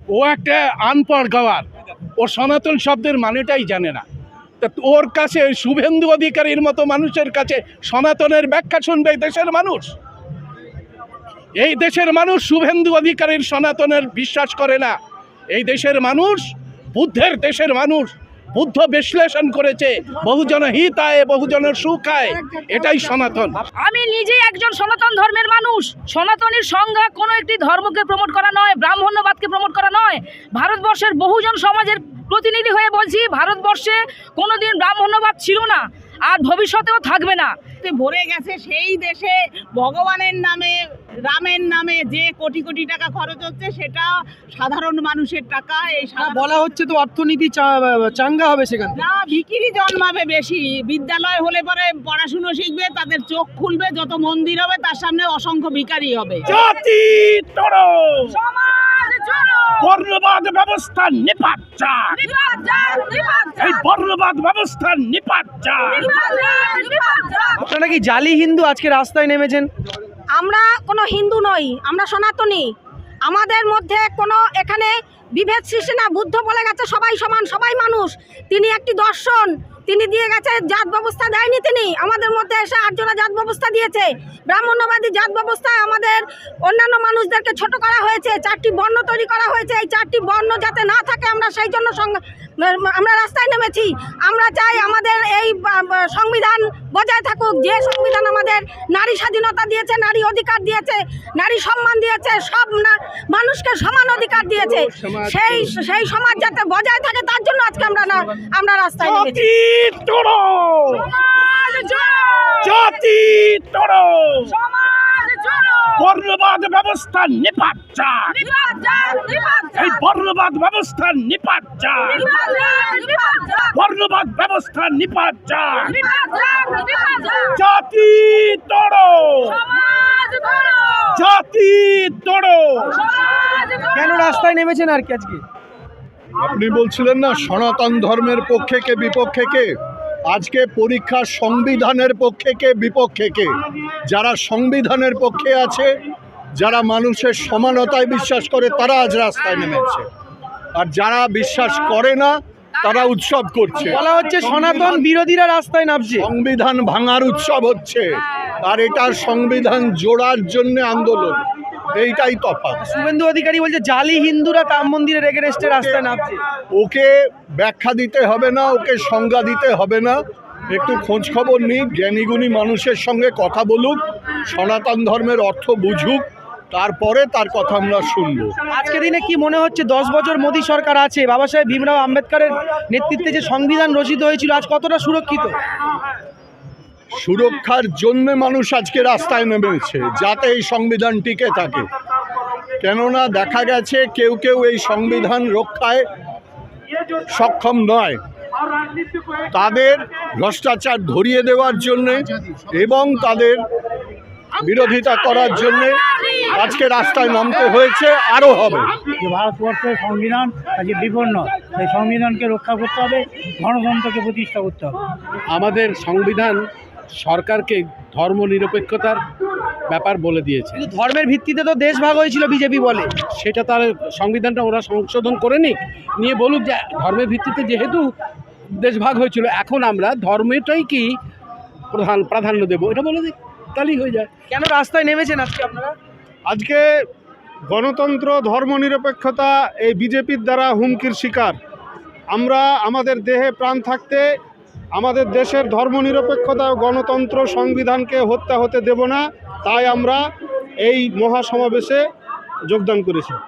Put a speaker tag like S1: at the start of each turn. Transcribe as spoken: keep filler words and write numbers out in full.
S1: ও একটা আনপড় গাওয়ার, ও সনাতন শব্দের মানেটাই জানে না। তা ওর কাছে শুভেন্দু অধিকারীর মতো মানুষের কাছে সনাতনের ব্যাখ্যা শুনবে এই দেশের মানুষ? এই দেশের মানুষ শুভেন্দু অধিকারীর সনাতনের বিশ্বাস করে না। এই দেশের মানুষ বুদ্ধের দেশের মানুষ। বুদ্ধ বিশ্লেষণ করেছে বহুজন হিতায় বহুজনের সুখায়, এটাই সনাতন।
S2: আমি নিজেই একজন সনাতন ধর্মের মানুষ। সনাতনের সংজ্ঞা কোনো একটি ধর্মকে প্রমোট করা নয়, ব্রাহ্মণ্যবাদকে প্রমোট করা নয়। ভারতবর্ষের বহুজন সমাজের প্রতিনিধি হয়ে বলছি, ভারতবর্ষে কোনোদিন ব্রাহ্মণ্যবাদ ছিল না, আর ভবিষ্যতেও থাকবে না।
S3: ভরে গেছে সেই দেশে ভগবানের নামে, রামের নামে যে কোটি কোটি টাকা খরচ হচ্ছে সেটা সাধারণ মানুষের টাকা। এই
S4: বলা হচ্ছে তো অর্থনীতি চাঙ্গা হবে সেখানে।
S3: না, ভিখিরি জন্মাবে বেশি। বিদ্যালয় হলে পরে পড়াশুনো শিখবে, তাদের চোখ খুলবে, যত মন্দির হবে তার সামনে অসংখ্য ভিখারি হবে।
S1: জাতি তড়ো,
S2: সমাজ চলো,
S1: বর্ণবাদ ব্যবস্থা নিপাত চাক,
S2: নিপাত যাক, নিপাত যাক,
S1: এই বর্ণবাদ ব্যবস্থা নিপাত চাক।
S2: নিপাত যাক, নিপাত যাক।
S4: আপনারা কি জালি হিন্দু আজকে রাস্তায় নেমেছেন?
S5: আমরা কোনো হিন্দু নই, আমরা সনাতনী। আমাদের মধ্যে কোনো এখানে বিভেদ সৃষ্টি না। বুদ্ধ বলে গেছে সবাই সমান, সবাই মানুষ। তিনি একটি দর্শন, তিনি দিয়ে গেছে, জাত ব্যবস্থা দেয়নি তিনি। আমাদের মধ্যে এসে আটজনা জাত ব্যবস্থা দিয়েছে। ব্রাহ্মণ্যবাদী জাত ব্যবস্থায় আমাদের অন্যান্য মানুষদেরকে ছোট করা হয়েছে, চারটি বর্ণ তৈরি করা হয়েছে। এই চারটি বর্ণ যাতে না থাকে আমরা সেই জন্য আমরা রাস্তায় নেমেছি। আমরা চাই আমাদের এই সংবিধান বজায় থাকুক, যে সংবিধান আমাদের নারী স্বাধীনতা দিয়েছে, নারী অধিকার দিয়েছে, নারী সম্মান দিয়েছে, সব মানুষকে সমান অধিকার দিয়েছে। সেই সেই সমাজ যাতে বজায় থাকে তার জন্য আজকে আমরা না আমরা রাস্তায় নেমেছি।
S1: তড়ো,
S2: সমাজ চলো,
S1: জাতি তড়ো,
S2: সমাজ চলো,
S1: বর্ণবাদ ব্যবস্থা নিপাত চাক,
S2: নিপাত যাক, নিপাত যাক,
S1: এই বর্ণবাদ ব্যবস্থা নিপাত চাক,
S2: নিপাত যাক, নিপাত যাক,
S1: বর্ণবাদ ব্যবস্থা নিপাত চাক।
S2: নিপাত যাক, নিপাত যাক।
S1: জাতি তড়ো,
S2: সমাজ চলো,
S1: জাতি তড়ো।
S2: সমাজ চলো।
S4: কেন রাস্তায় নেমেছেন আর কি আজকে?
S6: আপনি বলছিলেন না সনাতন ধর্মের পক্ষে কে বিপক্ষে কে, আজকে পরীক্ষা সংবিধানের পক্ষে কে বিপক্ষে কে। যারা সংবিধানের পক্ষে আছে, যারা মানুষের সমানতায় বিশ্বাস করে, তারা আজ রাস্তায় নেমেছে। আর যারা বিশ্বাস করে না তারা উৎসব করছে।
S4: বলা হচ্ছে সনাতন বিরোধীরা রাস্তায় নামছে।
S6: সংবিধান ভাঙার উৎসব হচ্ছে, আর এটার সংবিধান জোড়ার জন্য আন্দোলন। এইটাই তফাৎ।
S4: শুভেন্দু অধিকারী বলছে জালি হিন্দুরা রাম মন্দিরের এগেনস্টে রাস্তায় নামছে।
S6: ওকে ব্যাখ্যা দিতে হবে না, ওকে সংজ্ঞা দিতে হবে না। একটু খোঁজ খবর নিক, জ্ঞানীগুণী মানুষের সঙ্গে কথা বলুক, সনাতন ধর্মের অর্থ বুঝুক, তারপরে তার কথা আমরা শুনবো।
S4: আজকে দিনে কি মনে হচ্ছে দশ বছর মোদী সরকার আছে, বাবা সাহেব ভীমরাও আম্বেদকরের নেতৃত্বে যে সংবিধান রচিত হয়েছিল আজ কতটা সুরক্ষিত?
S6: সুরক্ষার জন্য মানুষ আজকে রাস্তায় নেমেছে, যাতে এই সংবিধান টিকে থাকে। কেননা দেখা গেছে কেউ কেউ এই সংবিধান রক্ষায় সক্ষম নয়। তাদের ভ্রষ্টাচার ধরিয়ে দেওয়ার জন্যে এবং তাদের বিরোধিতা করার জন্যে আজকে রাস্তায় নামতে হয়েছে, আরও হবে।
S7: যে ভারতবর্ষের সংবিধান আজকে বিপন্ন, সেই সংবিধানকে রক্ষা করতে হবে, গণতন্ত্রকে প্রতিষ্ঠা করতে হবে।
S1: আমাদের সংবিধান সরকারকে ধর্ম নিরপেক্ষতার ব্যাপার বলে দিয়েছে।
S4: কিন্তু ধর্মের ভিত্তিতে তো দেশ ভাগ হয়েছিল বিজেপি বলে।
S1: সেটা তার সংবিধানটা ওরা সংশোধন করে নিক, নিয়ে বলুক যে ধর্মের ভিত্তিতে যেহেতু দেশ ভাগ হয়েছিল, এখন আমরা ধর্মটাই কি প্রধান প্রাধান্য দেবো, এটা বলে দিক, তাহলেই হয়ে যায়।
S4: কেন রাস্তায় নেমেছেন আজকে আপনারা?
S8: আজকে গণতন্ত্র, ধর্মনিরপেক্ষতা এই বিজেপির দ্বারা হুমকির শিকার। আমরা আমাদের দেহে প্রাণ থাকতে আমাদের দেশের ধর্মনিরপেক্ষতা ও গণতন্ত্র সংবিধানকে হত্যা হতে দেব না। তাই আমরা এই মহাসমাবেশে যোগদান করেছি।